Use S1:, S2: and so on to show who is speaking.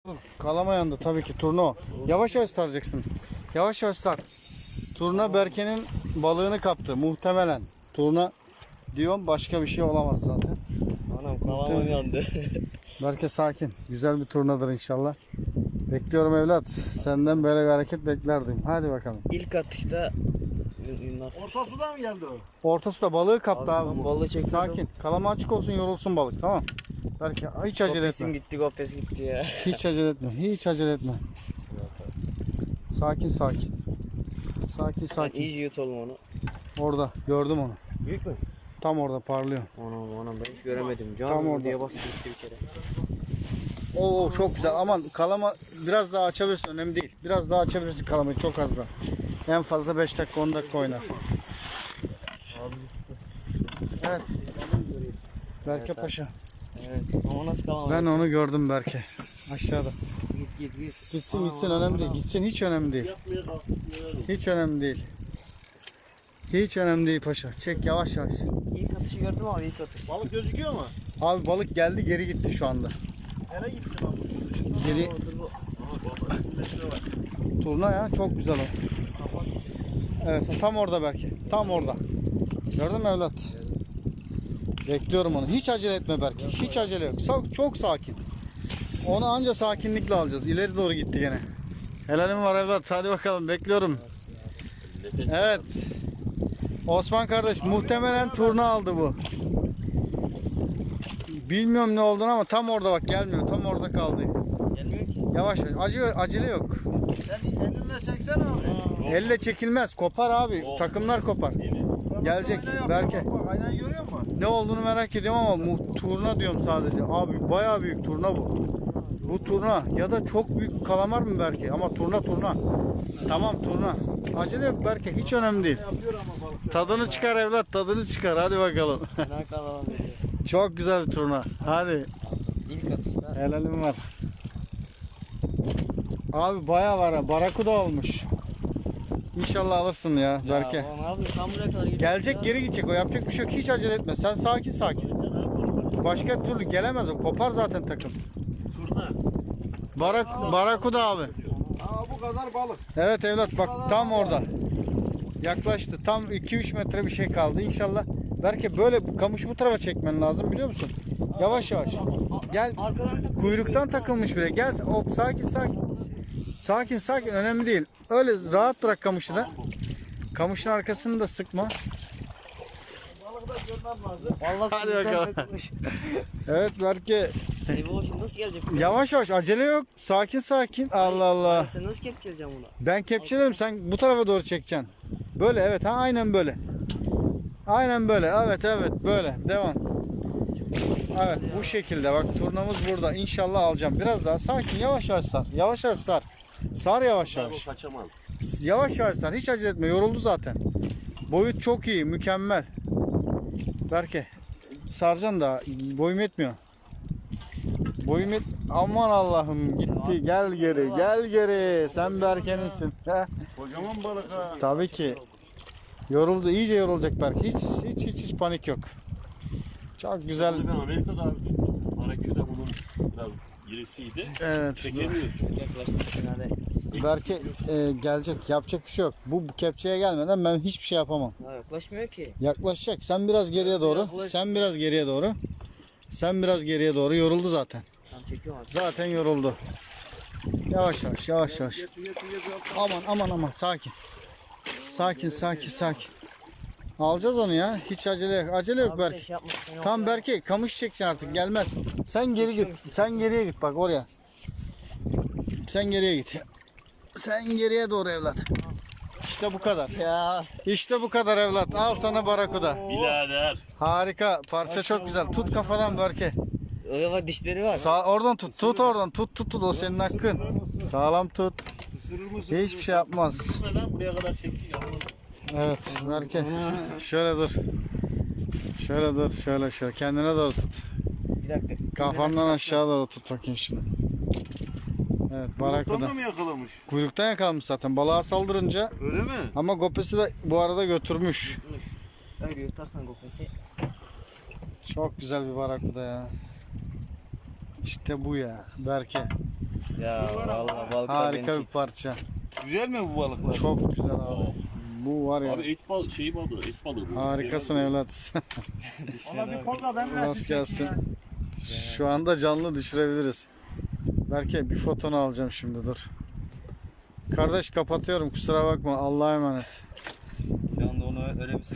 S1: Kalama yandı tabii ki turna o. Yavaş yavaş saracaksın. Yavaş yavaş sar. Turna Berke'nin balığını kaptı muhtemelen. Turna diyorum, başka bir şey olamaz zaten.
S2: Anam kalamam yandı.
S1: Berke sakin. Güzel bir turnadır inşallah. Bekliyorum evlat. Senden böyle bir hareket beklerdim. Hadi bakalım.
S2: İlk atışta
S3: Orta sudan mı geldi o?
S1: Orta suda balığı kaptı abi.
S2: ben
S1: Bu.
S2: balığı çekiyordum.
S1: Sakin. Kalama açık olsun, yorulsun balık, tamam. Berke hiç acele
S2: Kopesim
S1: etme.
S2: gitti, kopes gitti ya.
S1: Hiç acele etme. Hiç acele etme. Sakin sakin. Sakin
S2: Ben
S1: sakin.
S2: iyice yutalım onu.
S1: Orada gördüm onu.
S2: Büyük mü?
S1: Tam orada parlıyor.
S2: Anam ben hiç göremedim. Can
S1: Tam orada.
S2: diye bastı gitti bir kere.
S1: Oo çok güzel. Aman kalama biraz daha açabilirsin, önemli değil. Biraz daha açabilirsin kalamayı, çok az da. En fazla 5 dakika 10 dakika oynar. Evet. Berke
S2: Evet,
S1: Paşa.
S2: Evet ama nasıl kalamam?
S1: Ben onu gördüm Berke. Aşağıda.
S2: Git.
S1: Gitsin önemli değil. Gitsin, hiç önemli değil. Hiç önemli değil. Hiç önemli değil paşa. Çek yavaş yavaş.
S2: İlk atışı gördüm abi, ilk atış.
S3: Balık gözüküyor mu?
S1: Abi balık geldi, geri gitti şu anda.
S3: Nereye gitti lan?
S1: Geri turna ya, çok güzel o. Evet tam orada Berke. Tam orada. Gördün mü evlat? Bekliyorum onu. Hiç acele etme Berke. Hiç acele yok. Çok sakin. Onu anca sakinlikle alacağız. İleri doğru gitti gene. Helalim var evlat. Hadi bakalım, bekliyorum. Evet. Osman kardeş muhtemelen turna aldı bu. Bilmiyorum ne olduğunu ama tam orada bak, gelmiyor. Tam orada kaldı.
S2: Gelmiyor ki.
S1: Yavaş yavaş. Acele yok.
S3: Sen elinle çeksene abi.
S1: Elle çekilmez. Kopar abi. Takımlar kopar. Gelecek Berke.
S3: Bak aynen görüyor musun?
S1: Ne olduğunu merak ediyorum ama turna diyorum sadece. Abi bayağı büyük turna bu. Bu turna ya da çok büyük kalamar mı Berke? Ama turna. Tamam turna. Acele yok Berke. Hiç önemli değil.
S3: Yapıyor ama balık.
S1: Tadını çıkar evlat. Tadını çıkar. Hadi bakalım.
S2: Ne kalamam dedi.
S1: Çok güzel bir turna. Hadi.
S2: İlk atışta.
S1: Helalim var. Abi bayağı var ha. Barakuda olmuş. İnşallah alırsın ya Berke.
S2: Ya, ne yapayım? Tam buraya kadar gidiyor.
S1: Gelecek, geri gidecek. O yapacak bir şey yok. Hiç acele etme. Sen sakin. Başka türlü gelemez o. Kopar zaten takım.
S3: Turna.
S1: Barakuda abi.
S3: Aa bu kadar balık.
S1: Evet evlat bak, tam orada. Yaklaştı. Tam 2-3 metre bir şey kaldı. İnşallah. Berke böyle kamışı bu tarafa çekmen lazım, biliyor musun? Yavaş. Gel.
S2: Arkadan takılmış.
S1: Kuyruktan takılmış bile. Gel. Hop sakin. Önemli değil. Öyle rahat bırak kamışı da. Kamışın arkasını da sıkma.
S3: Balık da görmem lazım.
S2: Vallahi
S1: Hadi
S2: kuyruktan
S1: bakalım.
S2: takılmış.
S1: Evet Berke.
S2: Eyvah, şimdi nasıl gelecek?
S1: Yavaş acele yok. Sakin. Allah Allah.
S2: Sen nasıl kepçeleyeceksin bunu?
S1: Ben kepçelerim, sen bu tarafa doğru çekeceksin. Böyle evet, ha aynen böyle. Aynen böyle, evet böyle devam. Evet bu şekilde bak, turnamız burada. İnşallah alacağım. Biraz daha sakin, yavaş sar. Yavaş sar. Sar yavaş.
S3: Kaçamaz.
S1: Yavaş sar. Hiç acele etme. Yoruldu zaten. Boyut çok iyi, mükemmel. Berke saracaksın da boyum yetmiyor. Aman Allah'ım gitti. Gel geri. Sen Berke'ninsin.
S3: Kocaman balık ha.
S1: Tabii ki. Yoruldu. İyice yorulacak Berk. Hiç panik yok. Çok güzel.
S4: Ben Amerika'da abi tuttum. Hareküde bunun biraz girisiydi.
S1: Evet.
S4: Çekemiyorsun.
S2: Yaklaştık finale.
S1: Berke gelecek. Yapacak bir şey yok. Bu kepçeye gelmeden ben hiçbir şey yapamam.
S2: Ya yaklaşmıyor ki.
S1: Yaklaşacak. Sen biraz geriye doğru. Sen biraz geriye doğru. Yoruldu zaten.
S2: Tam çekiyorum abi.
S1: Zaten yoruldu. Yavaş.
S3: Getir.
S1: Aman. Sakin. Alacağız onu ya. Hiç acele yok. Acele yok
S2: Abi
S1: Berk.
S2: de şey yapmışsın, yok
S1: Tam
S2: ya.
S1: Berke kamış çekeceksin artık, gelmez. Sen geri git. Sen geriye git bak oraya. Sen geriye git. Sen geriye doğru evlat. İşte bu kadar.
S2: Ya.
S1: İşte bu kadar evlat. Al sana barakuda.
S4: Birader.
S1: Harika. Parça çok güzel. Tut kafadan Berke.
S2: Öyle bak, dişleri var.
S1: Oradan tut. Tut oradan. Tut. O senin hakkın. Sağlam tut.
S3: Isırır mısın?
S1: Hiçbir şey yapmaz.
S4: Neden buraya kadar çektik?
S1: Evet Berke. Şöyle dur. Şöyle. Kendine doğru tut.
S2: Bir dakika.
S1: Kafandan aşağı doğru tut bakayım şimdi. Evet barakuda.
S3: Balıktan mı yakalamış?
S1: Kuyruktan yakalamış zaten. Balığa saldırınca,
S3: Öyle mi?
S1: ama gopesi de bu arada götürmüş.
S2: Öyle yutarsan kopesi.
S1: Çok güzel bir barakuda ya. İşte bu ya Berke.
S2: Ya vallahi balıklar beni
S1: Harika bir
S2: çekti.
S1: parça.
S3: Güzel mi bu balıklar?
S1: Çok güzel abi. Bu var ya.
S4: Abi et balığı bu.
S1: Harikasın evlat.
S5: Ona bir kol da ben de
S1: Rast gelsin. Şu anda canlı düşürebiliriz. Belki bir fotonu alacağım şimdi, dur. Kardeş kapatıyorum, kusura bakma, Allah'a emanet.
S2: Şu anda onu öyle bir